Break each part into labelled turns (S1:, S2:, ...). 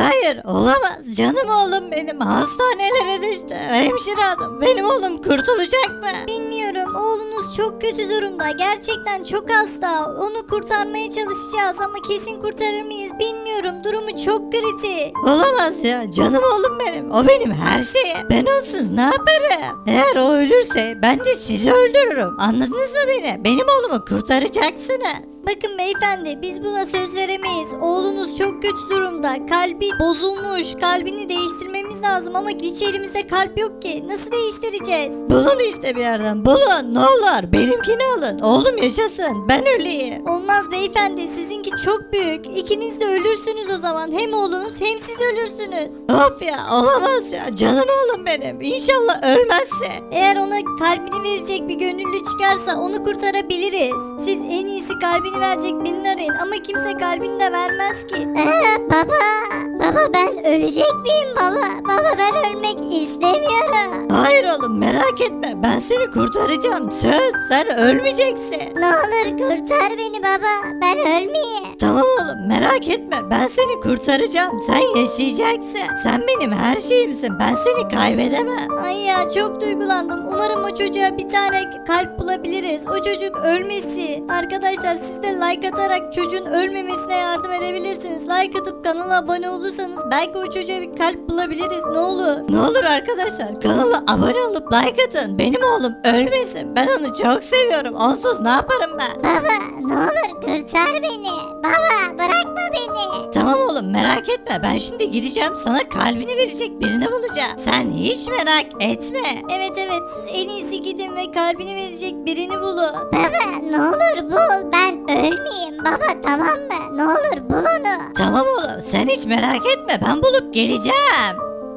S1: Hayır olamaz. Canım oğlum benim hastanelere düştü. Hemşire hanım benim oğlum kurtulacak mı?
S2: Bilmiyorum, oğlunuz çok kötü durumda. Gerçekten çok hasta. Onu kurtarmaya çalışacağız ama kesin kurtarır mıyız bilmiyorum. Durumu çok kritik.
S1: Olamaz ya canım oğlum benim. O benim her şeyim. Ben onsuz ne yaparım? Eğer o ölürse ben de sizi öldürürüm. Anladınız mı beni? Benim oğlumu kurtaracaksınız.
S2: Bakın beyefendi, biz buna söz veremeyiz. Oğlunuz çok kötü durumda. Kalbi bozulmuş. Kalbini değiştirmemiz lazım ama hiç elimizde kalp yok ki. Nasıl değiştireceğiz?
S1: Bulun işte bir yerden bulun ne olur. Benimkini alın. Oğlum yaşasın. Ben öleyim.
S2: Olmaz beyefendi, sizinki çok büyük. İkiniz de ölürsünüz o zaman. Hem oğlunuz hem siz ölürsünüz.
S1: Of ya olamaz ya. Canım oğlum benim. İnşallah ölmezse.
S2: Eğer ona kalbini verecek bir gönüllü çıkarsa onu kurtarabiliriz. Siz en iyisi kalbini verecek birini arayın ama kimse kalbini de vermez ki. Baba ben ölecek miyim baba? Baba ben ölmek istemiyorum.
S1: Hayır oğlum merak etme. Ben seni kurtaracağım. Söz sen ölmeyeceksin.
S2: Ne olur kurtar beni baba. Ben ölmeyeyim.
S1: Tamam oğlum merak etme. Ben seni kurtaracağım. Sen yaşayacaksın. Sen benim her şeyimsin. Ben seni kaybedemem.
S2: Ay ya çok duygulandım. Umarım o çocuğa bir tane kalp bulabiliriz. O çocuk ölmesin. Arkadaşlar siz de like atarak çocuğun ölmemesine yardım edebilirsiniz. Like atıp kanala abone olursanız belki o çocuğa bir kalp bulabiliriz. Ne olur.
S1: Ne olur arkadaşlar kanala abone olup like atın. Benim oğlum ölmesin. Ben onu çok seviyorum. Onsuz ne yaparım ben?
S2: Baba ne olur kurtar beni. Baba bırakma beni.
S1: Tamam oğlum merak etme. Ben şimdi gideceğim sana kalbini verecek birini bulacağım. Sen hiç merak etme.
S2: Evet siz en iyisi gidin ve kalbini verecek birini bulun. Baba ne olur bul. Ben ölmeyeyim. Baba tamam mı? Ne olur bul onu.
S1: Tamam oğlum sen hiç merak etme. Ben bulup geleceğim.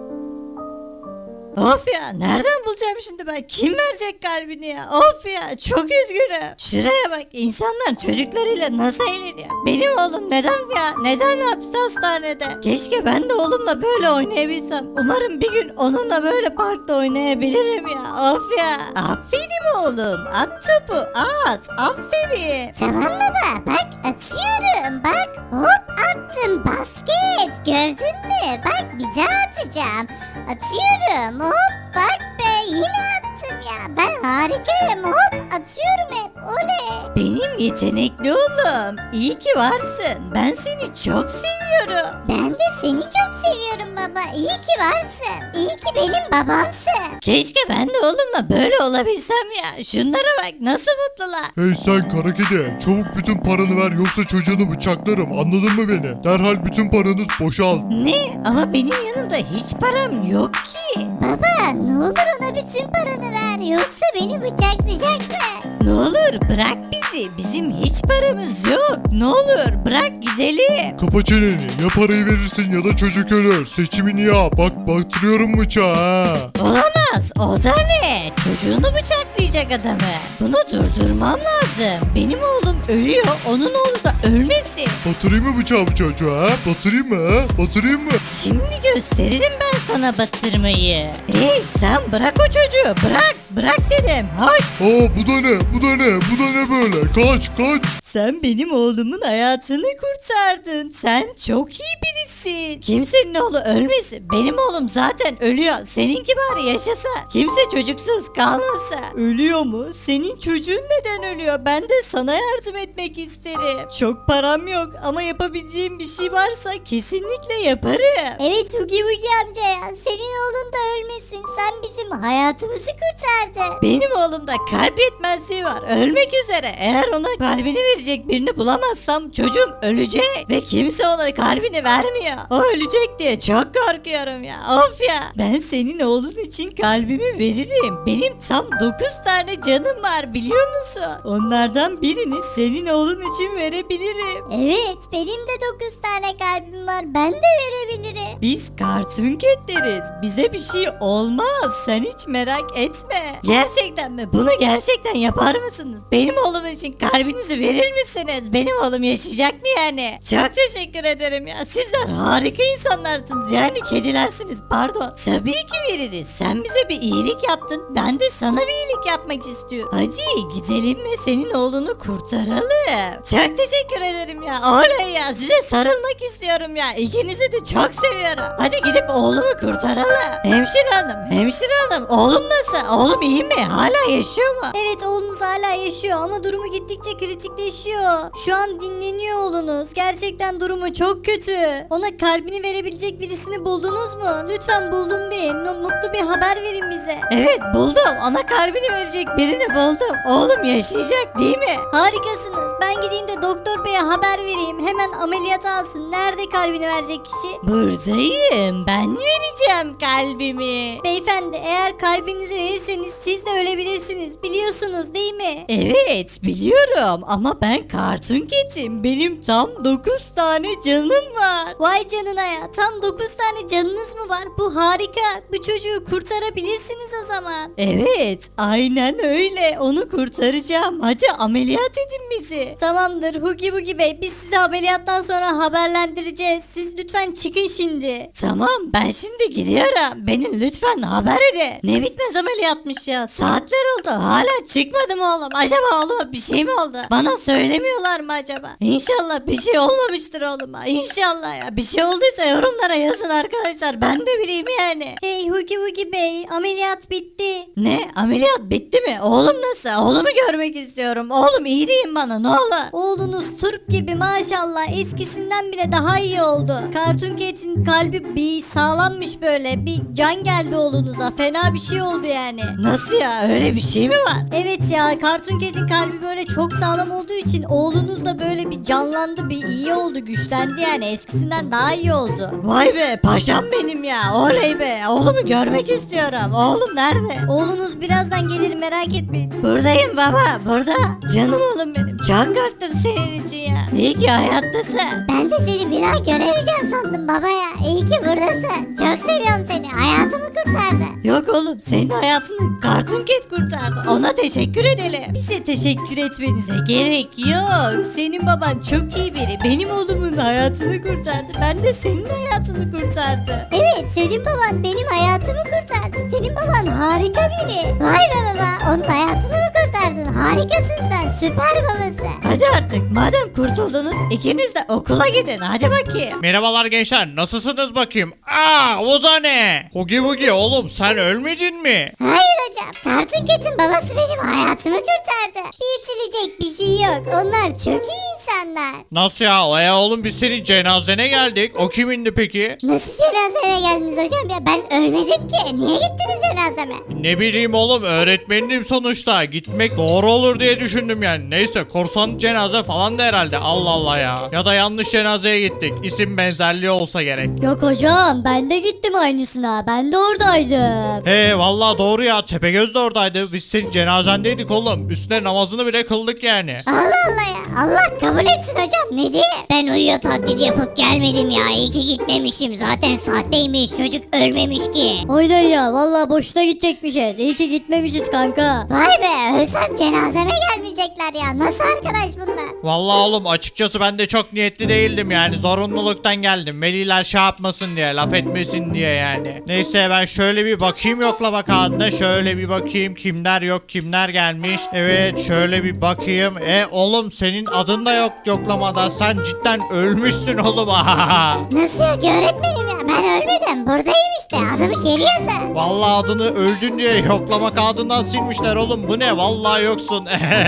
S1: Of ya nereden bulacağım şimdi ben? Kim verecek kalbini ya? Of ya çok üzgünüm. Şuraya bak insanlar çocuklarıyla nasıl eğleniyor. Benim oğlum neden ya? Neden hapiste hastanede? Keşke ben de oğlumla böyle oynayabilsem. Umarım bir gün onunla böyle parkta oynayabilirim ya. Of ya. Aferin oğlum. At topu at. Aferin.
S2: Tamam baba bak atıyorum. Bak hop attım basket. Gördün mü? Bak bir daha atacağım. Atıyorum hop bak be yine attım ya. Ben harikayım hop atıyorum hep oley.
S1: Benim yetenekli oğlum. İyi ki varsın. Ben seni çok seviyorum.
S2: Ben de seni çok seviyorum baba. İyi ki varsın. İyi ki benim babamsın.
S1: Keşke ben de oğlumla böyle olabilsem ya. Şunlara bak nasıl mutlular.
S3: Hey sen kara kedi, çabuk bütün paranı ver yoksa çocuğunu bıçaklarım, anladın mı beni? Derhal bütün paranız boşal.
S1: Ne? Ama benim yanımda hiç param yok ki.
S2: Baba ne olur ona bütün paranı ver yoksa beni bıçaklayacak mı?
S1: Ne olur bırak bizi. Bizim hiç paramız yok. Ne olur bırak gidelim.
S3: Kapa çeneni, ya parayı verirsin ya da çocuk ölür. Seçimini yap, bak batırıyorum bıçağı ha.
S1: Olamaz. O da ne? Çocuğunu bıçaklayacak adamı. Bunu durdurmam lazım. Benim oğlum ölüyor. Onun oğlu da ölmesin.
S3: Batırayım mı bıçağı bu çocuğa ha? Batırayım mı ha? Batırayım mı?
S1: Şimdi gösteririm ben sana batırmayı. Hey sen bırak o çocuğu. Bırak. Bırak dedim. Hoş.
S3: Aa bu da ne? Bu da ne? Bu da ne böyle? Kaç kaç.
S1: Sen benim oğlumun hayatını kurtardın. Sen çok iyi birisin. Kimsenin oğlu ölmesin. Benim oğlum zaten ölüyor. Seninki bari yaşasa. Kimse çocuksuz kalmasa. Ölüyor mu? Senin çocuğun neden ölüyor? Ben de sana yardım etmek isterim. Çok param yok ama yapabileceğim bir şey varsa kesinlikle yaparım.
S2: Evet Hugi Hugi amca ya. Senin oğlun da ölmesin. Sen bizim hayatımızı kurtardın.
S1: Benim oğlumda kalp yetmezliği var. Ölmek üzere. Eğer ona kalbini verecek birini bulamazsam çocuğum ölecek. Ve kimse ona kalbini vermiyor. O ölecek diye çok korkuyorum ya. Of ya. Ben senin oğlun için kalbimi veririm. Benim tam 9 tane canım var biliyor musun? Onlardan birini senin oğlun için verebilirim.
S2: Evet benim de 9 tane kalbim var. Ben de verebilirim.
S1: Biz Cartoon Cat'leriz. Bize bir şey olmaz. Sen hiç merak etme. Gerçekten mi? Bunu gerçekten yapar mısınız? Benim oğlum için kalbinizi verir misiniz? Benim oğlum yaşayacak mı yani? Çok teşekkür ederim ya. Sizler harika insanlarsınız. Yani kedilersiniz pardon. Tabii ki veririz. Sen bize bir iyilik yaptın. Ben de sana bir iyilik yapmak istiyorum. Hadi gidelim ve senin oğlunu kurtaralım. Çok teşekkür ederim ya. Oley ya. Size sarılmak istiyorum ya. İkinizi de çok seviyorum. Hadi gidip oğlumu kurtaralım. Hemşire hanım. Oğlum nasıl? Oğlum iyi mi? Hala yaşıyor mu?
S2: Evet, oğlunuz hala yaşıyor ama durumu gittikçe kritikleşiyor. Şu an dinleniyor oğlunuz. Gerçekten durumu çok kötü. Ona kalbini verebilecek birisini buldunuz mu? Lütfen buldum deyin. Mutlu bir haber verin bize.
S1: Evet buldum. Ona kalbini verecek birini buldum. Oğlum yaşayacak değil mi?
S2: Harikasınız. Ben gideyim de doktor beye haber vereyim. Hemen ameliyata alsın. Nerede kalbini verecek kişi?
S1: Buradayım. Ben vereceğim kalbimi.
S2: Beyefendi, eğer kalbinizi verirseniz siz de ölebilirsiniz. Biliyorsunuz değil mi?
S1: Evet biliyorum ama ben kartun ketim. Benim tam 9 tane canım var.
S2: Vay canına ya. Tam 9 tane canınız mı var? Bu harika. Bu çocuğu kurtarabilirsiniz o zaman.
S1: Evet aynen öyle. Onu kurtaracağım. Hadi ameliyat edin bizi.
S2: Tamamdır Hugi Bugi Bey. Biz sizi ameliyattan sonra haberlendireceğiz. Siz lütfen çıkın şimdi.
S1: Tamam ben şimdi gidiyorum. Beni lütfen haber edin. Ne bitmez ameliyatmış ya. Saatler oldu. Hala çıkmadı mı oğlum? Acaba oğluma bir şey mi oldu? Bana söylemiyorlar mı acaba? İnşallah bir şey olmamıştır oğluma. İnşallah ya. Bir şey olduysa yorumlara yazın arkadaşlar. Ben de bileyim yani.
S2: Hey Hugi Bugi Bey, ameliyat bitti.
S1: Ne? Ameliyat bitti mi? Oğlum nasıl? Oğlumu görmek istiyorum. Oğlum iyi deyin bana ne olur.
S2: Oğlunuz Türk gibi maşallah, eskisinden bile daha iyi oldu. Cartoon Cat'in kalbi bir sağlammış böyle. Bir can geldi oğlunuza. Fena bir şey oldu yani.
S1: Nasıl ya? Öyle bir şey mi var?
S2: Evet ya, Cartoon Cat'in kalbi böyle çok sağlam olduğu için oğlunuz da böyle bir canlandı, bir iyi oldu, güçlendi yani. Eskisinden daha iyi oldu.
S1: Vay be paşam benim ya. Oley be. Oğlumu görmek istiyorum. Oğlum nerede?
S2: Oğlunuz birazdan gelir, merak etmeyin.
S1: Buradayım baba. Burada. Canım oğlum benim. Çok korktum senin için ya. İyi ki hayattasın.
S2: Ben de seni bir daha göremeyeceğim sandım baba ya. İyi ki buradasın. Çok seviyorum seni. Hayatımı kurtardı.
S1: Yok oğlum senin hayatını Cartoon Cat kurtardı. Ona teşekkür edelim. Bize teşekkür etmenize gerek yok. Senin baban çok iyi biri. Benim oğlumun hayatını kurtardı. Ben de senin hayatını kurtardı.
S2: Evet, senin baban benim hayatımı kurtardı. Senin baban harika biri. Vay be baba, onun hayatını mı kurtardın? Harikasın sen, süper babası.
S1: Hadi artık madem kurtuldunuz ikiniz de okula gidin. Hadi bakayım.
S4: Merhabalar gençler, nasılsınız bakayım? Aa, o da ne? Hugi Bugi oğlum, sen ölmedin mi?
S2: Hayır hocam, Cartoon Cat'in babası benim hayatımı kurtardı. Büyütülecek bir şey yok. Onlar çok iyi insanlar.
S4: Nasıl ya? Oğlum biz senin cenazene geldik. O kimindi peki?
S2: Nasıl cenazeme geldiniz hocam ya? Ben ölmedim ki. Niye gittiniz cenazeme?
S4: Ne bileyim oğlum, öğretmenim sonuçta. Gitmek doğru olur diye düşündüm yani. Neyse, korsan cenaze falan da herhalde. Allah Allah ya. Ya da yanlış cenazeye gittik. İsim benzerliği olsa gerek.
S2: Yok hocam, ben de gittim aynısına. Ben de oradaydım.
S4: He vallahi doğru ya, Tepegöz de oradaydı. Biz senin cenazendeydik oğlum. Üstüne namazını bile kıldık yani.
S2: Allah Allah ya. Allah kabul etsin hocam. Ne diye? Ben uyuyor taklidi yapıp gelmedim ya. İyi ki gitmemişim. Zaten sahteymiş. Çocuk ölmemiş ki.
S5: Aynen ya, vallahi boşuna gidecekmişiz. İyi ki gitmemişiz kanka.
S2: Vay be, ölsem cenazeme gelmeyecekler ya. Nasıl arkadaş bunlar?
S4: Vallahi oğlum açıkçası ben de çok niyetli değildim yani, zorunluluktan geldim. Veliler şey yapmasın diye, laf etmesin diye yani. Neyse ben şöyle bir bakayım yoklama kağıdına, şöyle bir bakayım kimler yok kimler gelmiş. Evet şöyle bir bakayım. Oğlum senin adın da yok yoklamada, sen cidden ölmüşsün oğlum.
S2: Nasıl yok öğretmenim ya? Ben ölmedim. Buradayım işte. Adımı geri yazın.
S4: Vallahi adını öldün diye yoklama kağıdından silmişler oğlum, bu ne, vallahi yoksun.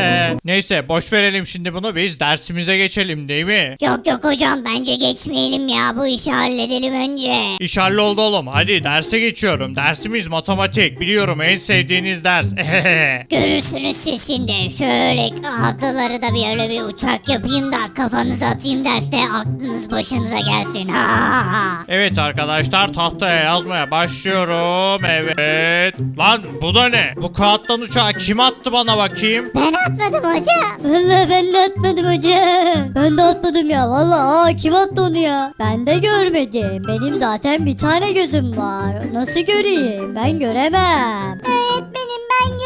S4: Neyse boş verelim şimdi bunu, biz dersimize geçelim değil mi?
S2: Yok yok hocam, bence geçmeyelim ya. Bu işi halledelim önce.
S4: İş halloldu oğlum, hadi derse geçiyorum. Dersimiz matematik, biliyorum en sevdiğiniz ders.
S2: Görürsünüz siz şimdi. Şöyle akılları da bir öyle bir uçak yapayım da kafanıza atayım derste, aklınız başınıza gelsin. Ha ha ha.
S4: Evet arkadaşlar, tahtaya yazmaya başlıyorum. Evet. Lan bu da ne? Bu kağıttan uçağı kim attı bana bakayım?
S2: Ben atmadım hocam.
S5: Vallahi ben de atmadım hocam. Ben de atmadım ya, vallahi kim attı onu ya? Ben de görmedim. Benim zaten bir tane gözüm var. Nasıl göreyim? Ben göremem.
S2: Öğretmenim, ben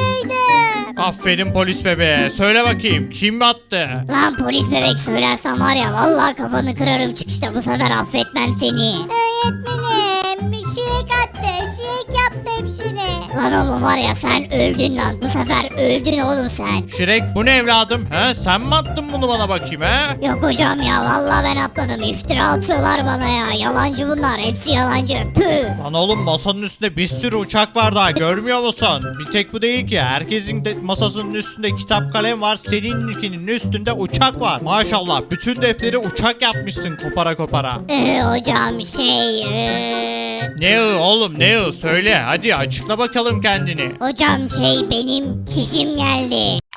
S4: Aferin polis bebeğe. Söyle bakayım kim attı?
S2: Lan polis bebek söylersen var ya vallahi kafanı kırarım çıkışta bu sefer affetmem seni. Öğretmenim şirek attı şirek yaptı hepsini. Lan oğlum var ya sen öldün lan bu sefer öldün oğlum sen.
S4: Şirek bu ne evladım? He? Sen mi attın bunu bana bakayım he?
S2: Yok hocam ya vallahi ben atmadım iftira atıyorlar bana ya yalancı bunlar hepsi yalancı püh.
S4: Lan oğlum masanın üstünde bir sürü uçak var daha görmüyor musun? Bir tek bu değil ki. Herkesin de masasının üstünde kitap kalem var. Seninkinin üstünde uçak var. Maşallah bütün defteri uçak yapmışsın kopara kopara.
S2: Hocam
S4: Ne oğlum ne söyle hadi açıkla bakalım kendini.
S2: hocam benim çişim geldi.